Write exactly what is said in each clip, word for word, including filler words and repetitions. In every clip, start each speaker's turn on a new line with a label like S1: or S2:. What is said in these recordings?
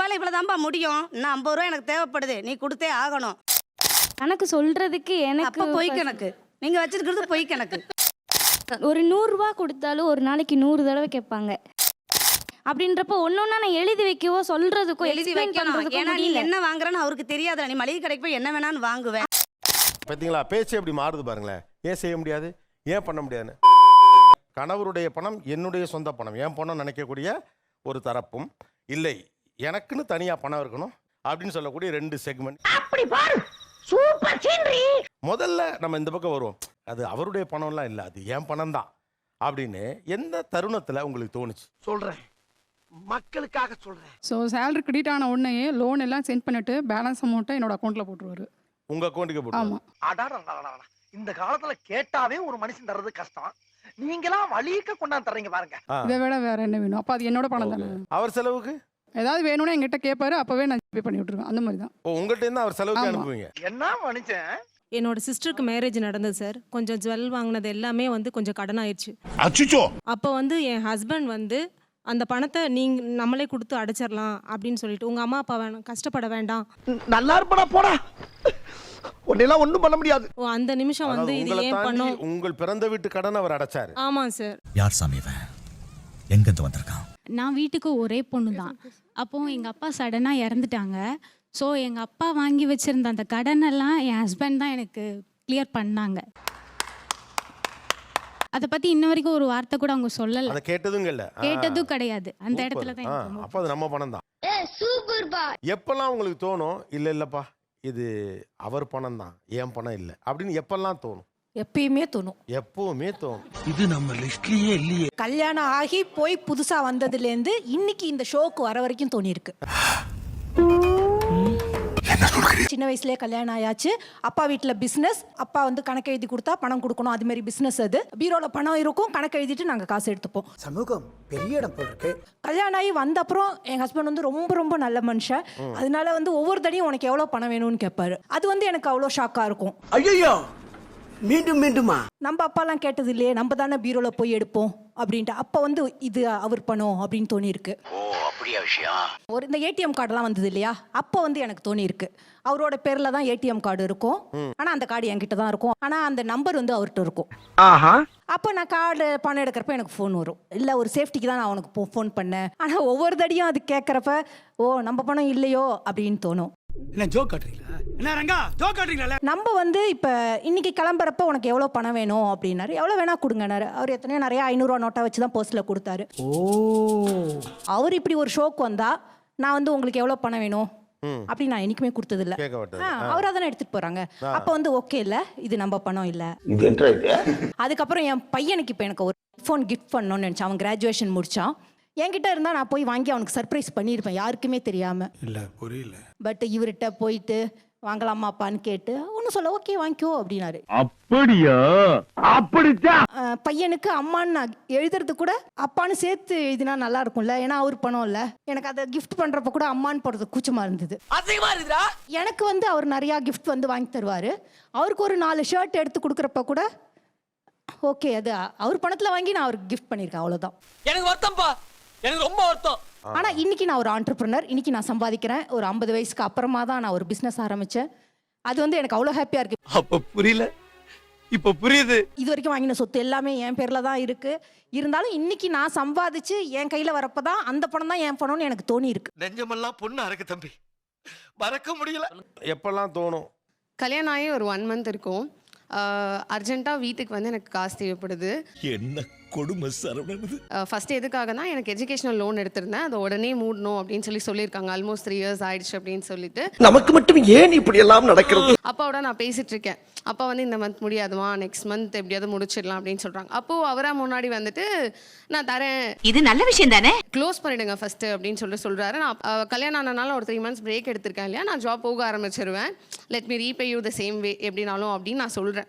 S1: என்னால் இவ்வளோதான்ப்பா முடியும், இன்னும் ஐம்பது ரூபா எனக்கு தேவைப்படுது, நீ கொடுத்தே ஆகணும்.
S2: கணக்கு சொல்றதுக்கு எனக்கு
S1: அப்போ பொய் கணக்கு, நீங்கள் வச்சிருக்கிறது பொய் கணக்கு.
S2: ஒரு நூறுரூவா கொடுத்தாலும் ஒரு நாளைக்கு நூறு தடவை கேட்பாங்க. அப்படின்றப்ப ஒன்னொன்னா நான் எழுதி வைக்கவோ சொல்றதுக்கோ
S1: எழுதி வைக்கணும். ஏன்னா நீ என்ன வாங்குறன்னு அவருக்கு தெரியாதுல. நீ மளிகை கடைக்கு போய் என்ன வேணான்னு வாங்குவேன்.
S3: பார்த்தீங்களா பேச்சு எப்படி மாறுது பாருங்களேன். ஏன் செய்ய முடியாது, ஏன் பண்ண முடியாதுன்னு. கணவருடைய பணம் என்னுடைய சொந்த பணம், என் பணம் நினைக்கக்கூடிய ஒரு தரப்பும், இல்லை எனக்குன்னு தனியாக பணம் இருக்கணும் அப்படின்னு சொல்லக்கூடிய ரெண்டு செக்மெண்ட்.
S4: அப்படி பாரு, சூப்பர் சீனரி.
S3: முதல்ல நம்ம இந்த பக்கம் வருவோம், அது அவருடைய பணம்லாம் இல்லை, அது என் பணம் தான் அப்படின்னு எந்த தருணத்தில் உங்களுக்கு தோணுச்சு?
S5: சொல்றேன், மக்களுக்காக சொல்றேன்.
S6: ஸோ சேலரி கிரெடிட் ஆன உடனே லோன் எல்லாம் சென்ட் பண்ணிட்டு பேலன்ஸ் அமௌண்ட்டை என்னோட அக்கௌண்ட்டில் போட்டுருவாரு.
S3: உங்க அக்கௌண்ட்டுக்கு போட்டு?
S6: ஆமாம்.
S5: அடாடா, இந்த காலத்துல கேட்டாவே ஒரு மனுஷன் தர்றது கஷ்டம், நீங்களாம் வலிக்க கொண்டாந்து தர்றீங்க பாருங்க.
S6: இதை விட வேற என்ன வேணும்? அப்போ அது என்னோட பணம் தானே.
S3: அவர் செலவுக்கு
S6: ஏதாவது வேணும்னா எங்கிட்ட கேட்பாரு, அப்பவே நான் பே பண்ணி விட்டுருவேன். அந்த மாதிரி தான்.
S3: ஓ, உங்கள்கிட்ட இருந்து அவர் செலவுக்கு அனுப்புவீங்க?
S5: என்ன மனுஷன்.
S7: என்னோட சிஸ்டருக்கு மேரேஜ் நடந்தது சார். கொஞ்சம் ஜுவல் வாங்கினது எல்லாமே வந்து கொஞ்சம் கடன் ஆயிடுச்சு. அப்போ வந்து என் ஹஸ்பண்ட் வந்து அந்த பணத்தை நீங்க நம்மளே கொடுத்து அடைச்சிடலாம் அப்படின்னு சொல்லிட்டு, உங்க அம்மா அப்பா வேணும் கஷ்டப்பட வேண்டாம்,
S5: நல்லா இருப்படா போடா, உன்னெல்லாம் ஒண்ணும் பண்ண முடியாது.
S7: ஓ அந்த நிமிஷம் வந்து இது ஏன் பண்ணோம்.
S3: உங்கள் பிறந்த வீட்டு கடன் அவர் அடைச்சாரு?
S7: ஆமா சார்.
S8: யார் சாமி இவன், எங்க இருந்து வந்திருக்கான்?
S9: நான் வீட்டுக்கு ஒரே பொண்ணு தான். அப்போ எங்க அப்பா சடனா இறந்துட்டாங்க. ஸோ எங்க அப்பா வாங்கி வச்சிருந்த அந்த கடனெல்லாம் என் ஹஸ்பண்ட் தான் எனக்கு கிளியர் பண்ணாங்க. அதை பத்தி இன்ன வரைக்கும் ஒரு வார்த்தை கூட அவங்க சொல்லல.
S3: அத கேட்டதும் இல்ல,
S9: கேட்டதும் கிடையாது. அந்த இடத்துல தான்.
S3: அப்ப அது நம்ம பணம் தான். எப்பெல்லாம் உங்களுக்கு தோணும், இல்ல இல்லப்பா இது அவர் பணம் தான், என் பணம் இல்ல அப்படின்னு எப்பெல்லாம் தோணும்?
S4: எப்பயுமே தோணும்.
S3: எப்பவுமே தோணும்.
S5: இது நம்ம லிஸ்ட்லயே இல்லையே.
S4: கல்யாணம் ஆகி போய் புதுசா வந்ததுல இருந்து இன்னைக்கு இந்த ஷோக்கு வர வரைக்கும் தோணி இருக்கு. சின்ன வயசுலயே கல்யாணம் ஆயாச்சு. அப்பா வீட்டுல பிசினஸ், அப்பா வந்து கணக்கு எழுதி கொடுத்தா பணம் கொடுக்கணும், அது மாதிரி பிசினஸ். அது பீரோல பணம் இருக்கும், கணக்கு எழுதிட்டு நாங்க காசு எடுத்துப்போம்.
S5: சமூகம் பெரிய இடம் போல இருக்கு.
S4: கல்யாணம் ஆகி வந்த அப்புறம் என் ஹஸ்பண்ட் வந்து ரொம்ப ரொம்ப நல்ல மனுஷன். அதனால வந்து ஒவ்வொரு தடையும் உனக்கு எவ்வளவு பணம் வேணும்னு கேட்பாரு. அது வந்து எனக்கு அவ்வளோ ஷாக்கா இருக்கும்.
S5: ஐயோ, மீண்டும் மீண்டுமா?
S4: நம்ம அப்பாலாம் கேட்டது இல்லையே, நம்ம தானே பீரோல போய் எடுப்போம் அப்படின்ட்டு. அப்போ வந்து இது அவர் பணம் அப்படின்னு தோணி இருக்கு. ஒரு இந்த ஏடிஎம் கார்டெல்லாம் வந்தது இல்லையா, அப்போ வந்து எனக்கு தோணி இருக்கு அவரோட பேர்ல தான் ஏடிஎம் கார்டு இருக்கும், ஆனா அந்த கார்டு என்கிட்ட தான் இருக்கும், ஆனா அந்த நம்பர் வந்து அவர்கிட்ட இருக்கும். அப்போ நான் கார்டு பணம் எடுக்கிறப்ப எனக்கு ஃபோன் வரும். இல்லை ஒரு சேஃப்டிக்கு தான் நான் அவனுக்கு ஃபோன் பண்ணேன். ஆனால் ஒவ்வொரு தடியும் அது கேட்குறப்ப ஓ நம்ம பணம் இல்லையோ அப்படின்னு தோணும்.
S5: என்ன ஜோக் காட்டுறீங்களா? என்ன ரங்கா ஜோக் காட்டுறீங்களா?
S4: நம்ம வந்து இப்போ இன்னைக்கு கிளம்புறப்ப உனக்கு எவ்வளோ பணம் வேணும் அப்படின்னாரு. எவ்வளோ வேணா கொடுங்கனாரு. அவர் எத்தனையோ நிறைய ஐநூறுரூவா நோட்டை வச்சு தான் போஸ்ட்டில் கொடுத்தாரு.
S5: ஓ,
S4: அவர் இப்படி ஒரு ஷோக்கு வந்தா நான் வந்து உங்களுக்கு எவ்வளோ பணம் வேணும் அப்படி நான் என்னைக்குமே கொடுத்தது இல்லை. அவராக தானே எடுத்துட்டு போறாங்க. அப்போ வந்து ஓகே இல்லை, இது நம்ம பணம் இல்லை. அதுக்கப்புறம் என் பையனுக்கு இப்போ எனக்கு ஒரு ஃபோன் கிஃப்ட் பண்ணணும்னு நினச்சேன். அவன் கிராஜுவேஷன் முடிச்சான். என்கிட்ட இருந்தால் நான் போய் வாங்கி அவனுக்கு சர்ப்ரைஸ் பண்ணியிருப்பேன், யாருக்குமே தெரியாமல்.
S5: இல்லை புரியல.
S4: பட் இவர்கிட்ட போயிட்டு வாங்கலாமா அப்பான்னு கேட்டு ஒன்றும் சொல்ல ஓகே வாங்கிக்கோ அப்படின்னாரு.
S5: அப்படியா? அப்படித்தான்.
S4: பையனுக்கு அம்மான்னு நான் எழுதுறது கூட அப்பான்னு சேர்த்து எழுதினா நல்லா இருக்கும்ல, ஏன்னா அவர் பணம் இல்லை. எனக்கு அதை கிஃப்ட் பண்ணுறப்ப கூட அம்மான்னு போடுறது கூச்சமாக இருந்தது. எனக்கு வந்து அவர் நிறையா கிஃப்ட் வந்து வாங்கி தருவார். அவருக்கு ஒரு நாலு ஷர்ட் எடுத்து கொடுக்குறப்ப கூட ஓகே அது அவர் பணத்தில் வாங்கி நான் அவருக்கு கிஃப்ட் பண்ணியிருக்கேன், அவ்வளோதான்.
S5: எனக்கு வருத்தம்ப்பா, எனக்கு ரொம்ப வருத்தம்.
S4: ஆனால் இன்னைக்கு நான் ஒரு ஆண்டர்பிரினர், இன்னைக்கு நான் சம்பாதிக்கிறேன். ஒரு ஐம்பது வயசுக்கு அப்புறமா தான் நான் ஒரு பிஸ்னஸ் ஆரம்பித்தேன். அது வந்து எனக்கு அவ்வளோ ஹாப்பியாக இருக்கு.
S5: அப்போ புரியல, இப்போ புரியுது.
S4: இது வரைக்கும் வாங்கின சொத்து எல்லாமே என் பேரில் தான் இருக்கு. இருந்தாலும் இன்னைக்கு நான் சம்பாதிச்சு என் கையில் வரப்போ தான் அந்த பணம் தான் என் பணம்னு எனக்கு தோணி இருக்கு.
S5: நெஞ்சமெல்லாம் பொண்ணு அறக்கு தம்பி, மறக்க முடியல.
S3: எப்பெல்லாம் தோணும்?
S10: கல்யாணம் ஆகி ஒரு ஒன் மந்த் இருக்கும். அர்ஜென்ட்டாக வீட்டுக்கு வந்து எனக்கு காசு தேவைப்படுது.
S8: என்ன கொடுமை சரவணது.
S10: ஃபர்ஸ்ட் எதுக்காகனா எனக்கு எஜுகேஷனல் லோன் எடுத்திருந்தேன், அதை உடனே மூடணும் அப்படின்னு சொல்லி சொல்லியிருக்காங்க. ஆல்மோஸ்ட் த்ரீ இயர்ஸ் ஆயிடுச்சு அப்படின்னு சொல்லிட்டு.
S5: நமக்கு மட்டும் ஏன் இப்படி எல்லாம் நடக்கிறது?
S10: அப்பாவோட நான் பேசிட்டு இருக்கேன். அப்பா வந்து இந்த மந்த் முடியாதுமா, நெக்ஸ்ட் மந்த் எப்படியாவது முடிச்சிடலாம் அப்படின்னு சொல்றாங்க. அப்போ அவரா முன்னாடி வந்துட்டு நான் தரேன்,
S4: இது நல்ல விஷயம் தானே,
S10: க்ளோஸ் பண்ணிடுங்க ஃபர்ஸ்ட் அப்படின்னு சொல்லிட்டு சொல்றாரு. நான் கல்யாணம் ஆனனால ஒரு த்ரீ மந்த்ஸ் பிரேக் எடுத்திருக்கேன் இல்லையா, நான் ஜாப் போக ஆரம்பிச்சிருவேன், let me repay you the same way எப்படினாலும் அப்படின்னு நான் சொல்றேன்.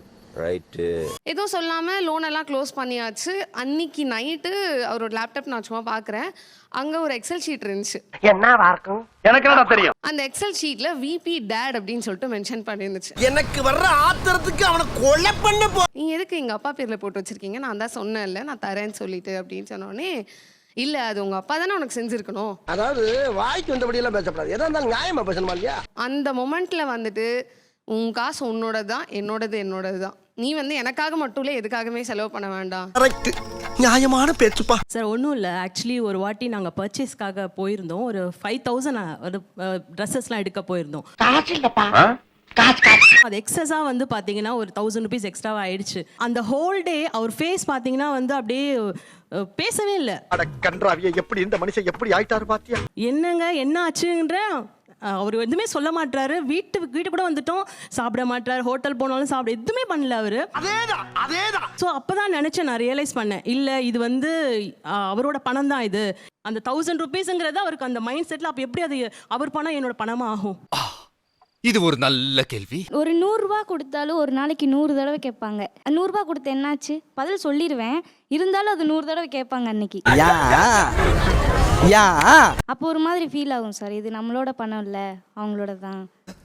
S10: எதுவும் சொல்லாமல் லோன் எல்லாம் க்ளோஸ் பண்ணியாச்சு. அன்னைக்கு நைட்டு அவரோட லேப்டாப் நான் சும்மா பார்க்குறேன், அங்கே ஒரு எக்ஸல் ஷீட் இருந்துச்சு.
S5: என்னவா இருக்கும் எனக்கு என்ன தெரியும்.
S10: அந்த எக்ஸல் ஷீட்ல விபி டேட் அப்படின்னு சொல்லிட்டு மென்ஷன் பண்ணிருந்துச்சு.
S5: எனக்கு வர்ற ஆத்திரத்துக்கு அவனை கொலை பண்ண போ.
S10: நீங்க எதுக்கு எங்க அப்பா பேர்ல போட்டு வச்சிருக்கீங்க? நான் தான் சொன்னேன்ல நான் தரேன்னு சொல்லிட்டு அப்படின்னு சொன்னோடனே இல்ல அது உங்க அப்பா தானே உனக்கு செஞ்சிருக்கணும்.
S5: அதாவது வாய்க்கு வந்தபடி எல்லாம் பேசப்படாது. எதா இருந்தாலும் நியாயமா பேசணுமா இல்லையா?
S10: அந்த மொமெண்ட்ல வந்துட்டு உன் காசு உன்னோடது தான், என்னோடது என்னோடது தான். நீ வந்து எனக்காக மட்டும் இல்லை எதுக்காகவே செலவு பண்ண வேண்டாம்.
S5: கரெக்ட், நியாயமான பேச்சுப்பா.
S7: சார் ஒன்றும் இல்லை, ஆக்சுவலி ஒரு வாட்டி நாங்கள் பர்ச்சேஸ்க்காக போயிருந்தோம். ஒரு ஃபைவ் தௌசண்ட் ஒரு ட்ரெஸ்ஸஸ்லாம் எடுக்க போயிருந்தோம். அது எக்ஸஸாக வந்து பார்த்தீங்கன்னா ஒரு தௌசண்ட் ருபீஸ் எக்ஸ்ட்ராவாக ஆயிடுச்சு. அந்த ஹோல் டே அவர் ஃபேஸ் பார்த்தீங்கன்னா வந்து அப்படியே அஹ், பேசவே இல்லை.
S5: அட கன்றாவிய, எப்படி இந்த மனுஷன் எப்படி ஆயிட்டாரு பாத்தியா?
S7: என்னங்க என்ன ஆச்சுன்ற அஹ், அவர் எதுவுமே சொல்ல மாட்டாரு. வீட்டு வீட்டு கூட வந்துட்டோம், சாப்பிட மாட்டாரு. ஹோட்டல் போனாலும் சாப்பிட எதுவுமே பண்ணல அவரு.
S5: அதேதான் அதேதான்.
S7: ஸோ அப்பதான் நினைச்சேன், நான் ரியலைஸ் பண்ணேன், இல்லை இது வந்து அஹ், அவரோட பணம் தான் இது. அந்த தௌசண்ட் ருபீஸுங்கிறது அவருக்கு அந்த மைண்ட் செட்டில் அப்போ எப்படி அது அவர் பணம் என்னோட பணமா ஆகும்?
S8: இது ஒரு நல்ல கேள்வி.
S2: ஒரு நூறுரூவா கொடுத்தாலும் ஒரு நாளைக்கு நூறு தடவை கேட்பாங்க. நூறுரூவா கொடுத்து என்னாச்சு பதில் சொல்லிடுவேன், இருந்தாலும் அது நூறு தடவை கேட்பாங்க அன்னைக்கு. அப்போ ஒரு மாதிரி ஃபீல் ஆகும் சார், இது நம்மளோட பணம் இல்லை அவங்களோட தான்.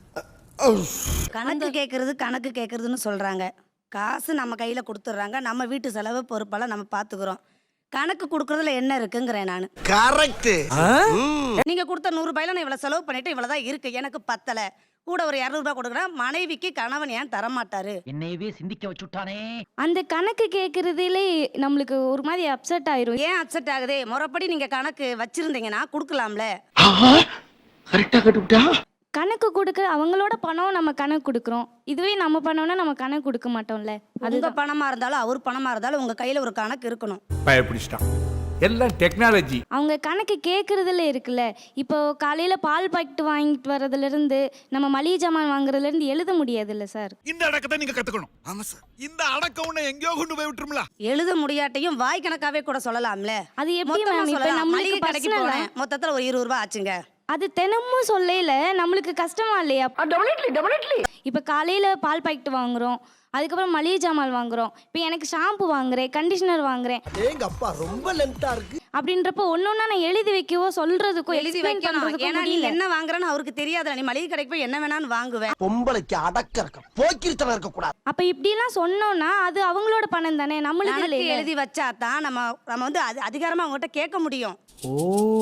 S1: கணக்கு கேட்கறது கணக்கு கேட்கறதுன்னு சொல்றாங்க. காசு நம்ம கையில கொடுத்துட்றாங்க, நம்ம வீட்டு செலவு பொறுப்பெல்லாம் நம்ம பாத்துக்கிறோம். கணக்கு கொடுக்கறதுல என்ன இருக்குங்கிறேன் நான்.
S5: கரெக்ட்.
S1: நீங்க கொடுத்த நூறு ரூபாயில நான் இவ்வளவு செலவு பண்ணிட்டு இவ்வளவுதான் இருக்கு, எனக்கு பத்தல, கூட ஒரு இருநூறு ரூபாய் கொடுக்குறேன். மனைவிக்கு கணவன் ஏன் தர மாட்டாரு?
S5: என்னையவே சிந்திக்க வச்சுட்டானே.
S2: அந்த கணக்கு கேட்கறதுலே நம்மளுக்கு ஒரு மாதிரி அப்செட் ஆயிரும்.
S1: ஏன் அப்செட் ஆகுது? முறைப்படி நீங்க கணக்கு வச்சிருந்தீங்கன்னா கொடுக்கலாம்ல.
S5: கரெக்டா கட்டுட்டா.
S2: கணக்கு கொடுக்க அவங்களோட பணம் நம்ம கணக்கு கொடுக்குறோம், இதுவே நம்ம பணம்னா நம்ம கணக்கு கொடுக்க மாட்டோம்ல.
S1: அது உங்க பணமா இருந்தாலும் அவர் பணமா இருந்தாலும் உங்க கையில ஒரு கணக்கு இருக்கணும்.
S8: பயப்பிடிச்சிட்டான். எல்லாம் டெக்னாலஜி.
S2: அவங்க கணக்கு கேட்கறதுல இருக்குல்ல. இப்போ காலையில பால் பாக்கெட் வாங்கிட்டு வர்றதுல இருந்து நம்ம மளிகை ஜாமான் வாங்குறதுல இருந்து எழுத முடியாதுல்ல சார்.
S8: இந்த அடக்கத்தை நீங்க கத்துக்கணும். ஆமா சார். இந்த அடக்கம் உன்னை எங்கேயோ கொண்டு போய் விட்டுரும்ல.
S1: எழுத முடியாட்டையும் வாய் கணக்காவே கூட சொல்லலாம்ல.
S2: அது எப்படி
S1: மொத்தமா
S2: மேம்? இப்போ
S1: சொல்லலாம்.
S2: நம்மளுக்கு
S1: மளிகை கடைக்கு
S2: personal ஆ-
S1: போனேன், மொத்தத்துல ஒரு இருபது ரூபாய் ஆச்சுங்க.
S2: அது தினமும் சொல்லல நம்மளுக்கு கஷ்டமா இல்லையா? இப்போ காலையில பால் பாக்கெட் வாங்குறோம், அதுக்கப்புறம் மளிகை ஜாமான் வாங்குறோம், இப்போ எனக்கு ஷாம்பு வாங்குறேன், கண்டிஷனர் வாங்குறேன்.
S5: எங்க அப்பா ரொம்ப லென்த்தா இருக்கு.
S2: அப்படின்றப்போ ஒன்னொன்னா நான் எழுதி வைக்கவோ சொல்றதுக்கோ
S1: எழுதி
S2: explain
S1: வைக்கணும்.
S2: பண்றதுக்கோ
S1: ஏன்னா நீ
S2: முடியல.
S1: என்ன வாங்குறன்னு அவருக்கு தெரியாதுல. நீ மளிகை கடைக்கு போய் என்ன வேணாலும் வாங்குவேன்.
S5: பொம்பளைக்கு அடக்க இருக்க, போக்கிரித்தனம் இருக்க கூடாது.
S2: அப்ப இப்படிலாம் சொன்னோம்னா அது அவங்களோட பணம் தானே, நம்மளுக்கு
S1: கணக்கு
S2: இல்லையே.
S1: எழுதி வச்சா தான் நம்ம நம்ம வந்து அது அதிகாரமா அவங்ககிட்ட கேட்க முடியும்.
S5: ஓ,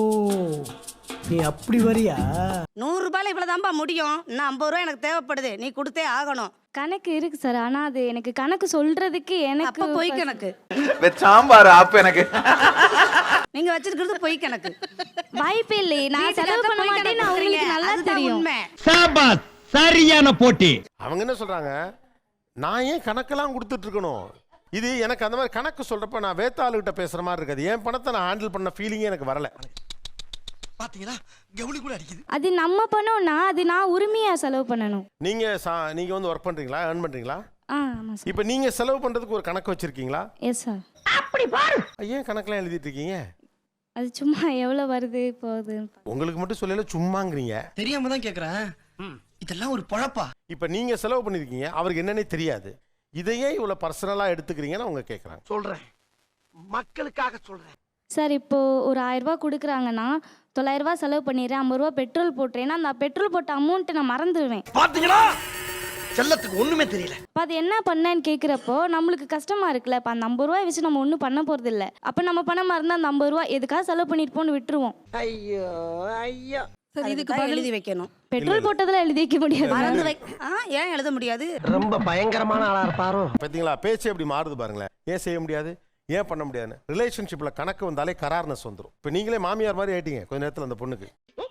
S5: நீ அப்படி வரியா?
S1: நூறு ரூபாயில இவ்வளவுதான்பா முடியும், இன்னும் ஐம்பது ரூபாய் எனக்கு தேவைப்படுது, நீ கொடுத்தே ஆகணும்.
S2: கணக்கு இருக்கு சார், ஆனா அது எனக்கு கணக்கு சொல்றதுக்கு எனக்கு
S1: அப்ப பொய் கணக்கு.
S8: சாம்பார் அப்ப எனக்கு.
S1: நீங்க வச்சிருக்கிறது பொய் கணக்கு.
S2: வாய்ப்பே இல்லை. நான் செலவு பண்ண மாட்டேன்னு அவங்களுக்கு நல்லா தெரியும்.
S1: உண்மை.
S5: சாபாஸ், சரியான போட்டி.
S3: அவங்க என்ன சொல்றாங்க, நான் ஏன் கணக்கெல்லாம் கொடுத்துட்டு இருக்கணும்? இது எனக்கு அந்த மாதிரி கணக்கு சொல்றப்ப நான் வேத்தாளுகிட்ட பேசுற மாதிரி இருக்காது. என் பணத்தை நான் ஹேண்டில் பண்ண ஃபீலிங்கே எனக்கு வரல.
S5: பாத்தீங்களா, கவுளி கூட அடிக்குது.
S2: அது நம்ம பண்ணோம்னா அது நான் உரிமையா செலவு பண்ணணும்.
S3: நீங்க சா- நீங்க வந்து ஒர்க் பண்றீங்களா, earn பண்றீங்களா?
S2: ஆ ஆமா சார்.
S3: இப்போ நீங்க செலவு பண்றதுக்கு ஒரு கணக்கு வச்சிருக்கீங்களா?
S2: Yes sir.
S3: ஏன் கணக்கெல்லாம் எழுதிட்டு இருக்கீங்க?
S2: அது சும்மா எவ்வளவு வருது போகுது.
S3: உங்களுக்கு மட்டும் சொல்லல, சும்மாங்கிறீங்க.
S5: தெரியாம தான் கேக்குறேன். இதெல்லாம் ஒரு பொழப்பா?
S3: இப்போ நீங்க செலவு பண்ணிருக்கீங்க, அவருக்கு என்னன்னே தெரியாது. இதையே இவ்வளவு பர்சனலா எடுத்துக்கிறீங்கன்னு அவங்க கேட்குறாங்க.
S5: சொல்றேன், மக்களுக்காக சொல்றேன்.
S2: சார் இப்போ ஒரு ஆயிரம் ரூபாய் கொடுக்குறாங்கன்னா தொள்ளாயிரம் ரூபாய் செலவு பண்ணிடுறேன், ஐம்பது ரூபாய் பெட்ரோல் போட்டுறேன்னா அந்த பெட்ரோல் போட்ட அமௌண்ட்டை நான் மறந்துடுவேன்.
S5: பாத்தீங்களா, செல்லத்துக்கு ஒண்ணுமே தெரியல.
S2: அப்போ அது என்ன பண்ணேன்னு கேட்குறப்போ நம்மளுக்கு கஷ்டமா இருக்குல்ல. இப்போ அந்த ஐம்பது ரூபாய் வச்சு நம்ம ஒன்றும் பண்ண போகிறது இல்லை. அப்போ நம்ம பணம் மறந்தால் அந்த ஐம்பது ரூபாய் எதுக்காக செலவு பண்ணியிருப்போம்னு விட்டுருவோம்.
S5: ஐயோ ஐயோ.
S1: இதுக்கு பதில் எழுதி வைக்கணும்.
S2: பெட்ரோல் போட்டதில் எழுதி வைக்க முடியாது.
S1: மறந்து வை. ஆ, ஏன் எழுத முடியாது?
S5: ரொம்ப பயங்கரமான ஆளா இருப்பாரோ.
S3: பார்த்தீங்களா, பேச்சு எப்படி மாறுது பாருங்களேன். ஏன் செய்ய முடியாது, ஏன் பண்ண முடியாதுன்னு. ரிலேஷன்ஷிப்பில் கணக்கு வந்தாலே கரார்னஸ் வந்துடும். இப்போ நீங்களே மாமியார் மாதிரி ஆயிட்டீங்க கொஞ்ச நேரத்தில் அந்த பொண்ணுக்கு.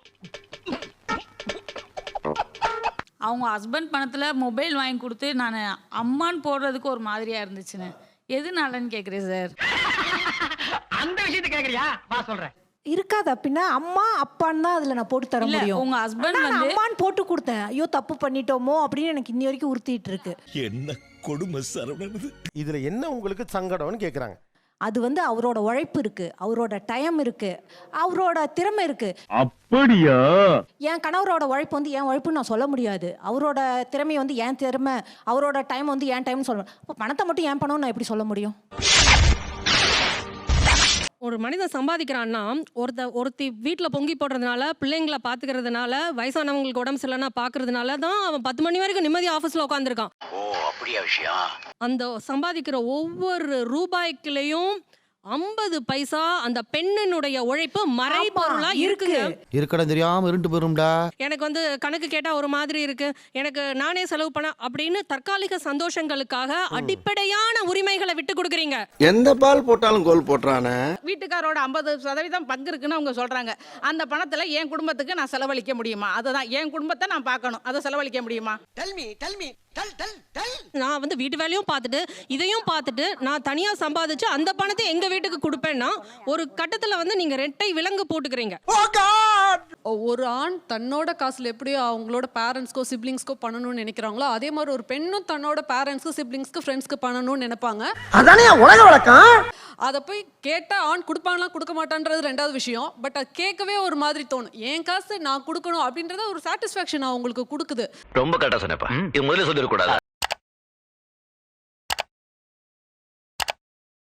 S11: அவங்க ஹஸ்பண்ட் பணத்தில் மொபைல் வாங்கி கொடுத்து நான் அம்மான்னு போடுறதுக்கு ஒரு மாதிரியாக இருந்துச்சுன்னு. எதுனாலன்னு கேட்குறேன் சார்.
S5: அந்த விஷயத்தை கேக்குறியா, வா சொல்றேன்.
S4: இருக்காது அப்படின்னா அம்மா அப்பான்னு தான் அதுல நான் போட்டு தர
S11: இல்ல,
S4: முடியும்.
S11: உங்க husband
S4: ஆனா நான்
S11: வந்து-
S4: அம்மான்னு போட்டு கொடுத்தேன். ஐயோ தப்பு பண்ணிட்டோமோ அப்படின்னு எனக்கு இன்னி வரைக்கும் உறுத்திட்டு இருக்கு.
S8: என்ன கொடுமை சரவணன்.
S3: இதில் என்ன உங்களுக்கு சங்கடம்னு கேட்குறாங்க.
S4: அது வந்து அவரோட உழைப்பு இருக்கு, அவரோட டைம் இருக்கு, அவரோட திறமை இருக்கு.
S5: அப்படியா?
S4: என் கணவரோட உழைப்பு வந்து என் உழைப்புன்னு நான் சொல்ல முடியாது. அவரோட திறமை வந்து என் திறமை, அவரோட டைம் வந்து என் டைம்னு சொல்ல. அப்போ பணத்தை மட்டும் என் பணம்னு நான் எப்படி சொல்ல முடியும்?
S7: ஒரு மனிதன் சம்பாதிக்கிறான்னா ஒருத்த ஒருத்தி வீட்டில் பொங்கி போடுறதுனால, பிள்ளைங்களை பார்த்துக்கிறதுனால, வயசானவங்களுக்கு உடம்பு சரியில்லைன்னா பார்க்கறதுனால தான் அவன் பத்து மணி வரைக்கும் நிம்மதி ஆஃபீஸில் உட்காந்துருக்கான்.
S5: ஓ, அப்படியா விஷயம்?
S7: அந்த சம்பாதிக்கிற ஒவ்வொரு ரூபாய்க்குலேயும் ஐம்பது பைசா அந்த பெண்ணினுடைய உழைப்பு மறைபொருளா இருக்குங்க.
S5: இருக்கடா தெரியாம இருண்டு போயிரும்டா.
S7: எனக்கு வந்து கணக்கு கேட்டா ஒரு மாதிரி இருக்கு, எனக்கு நானே செலவு பண்ண அப்படின்னு தற்காலிக சந்தோஷங்களுக்காக அடிப்படையான உரிமைகளை விட்டு கொடுக்குறீங்க.
S5: எந்த பால் போட்டாலும் கோல் போட்டுறானே.
S11: வீட்டுக்காரோட ஐம்பது சதவீதம் பங்கு இருக்குன்னு அவங்க சொல்றாங்க. அந்த பணத்துல என் குடும்பத்துக்கு நான் செலவழிக்க முடியுமா? அதுதான் என் குடும்பத்தை நான் பார்க்கணும், அதை செலவழிக்க முடியுமா?
S7: நான் வந்து வீட்டு வேலையும் பார்த்துட்டு இதையும் பார்த்துட்டு நான் தனியா சம்பாதிச்சு அந்த பணத்தை எங்க வீட்டுக்கு கொடுப்பேன்னா ஒரு கட்டத்துல வந்து நீங்க ரெட்டை விலங்கு போட்டுக்கிறீங்க.
S10: ஒரு ஆண் தன்னோட காசுல எப்படியோ அவங்களோட பேரண்ட்ஸ்க்கோ சிப்ளிங்ஸ்க்கோ பண்ணணும்னு நினைக்கிறாங்களோ அதே மாதிரி ஒரு பெண்ணும் தன்னோட பேரண்ட்ஸ்க்கு சிப்ளிங்ஸ்க்கு ஃப்ரெண்ட்ஸ்க்கு பண்ணணும்னு நினைப்பாங்க.
S5: அதானே உலக வழக்கம்.
S10: அதை போய் கேட்டா ஆண் கொடுப்பாங்களா கொடுக்க மாட்டான்றது ரெண்டாவது விஷயம். பட் அது கேட்கவே ஒரு மாதிரி தோணும். என் காசு நான் கொடுக்கணும் அப்படின்றத ஒரு சாட்டிஸ்ஃபேக்ஷன் அவங்களுக்கு கொடுக்குது.
S5: ரொம்ப கரெக்டா சொன்னப்பா. இது முதல்ல சொல்லிடக்கூடாது.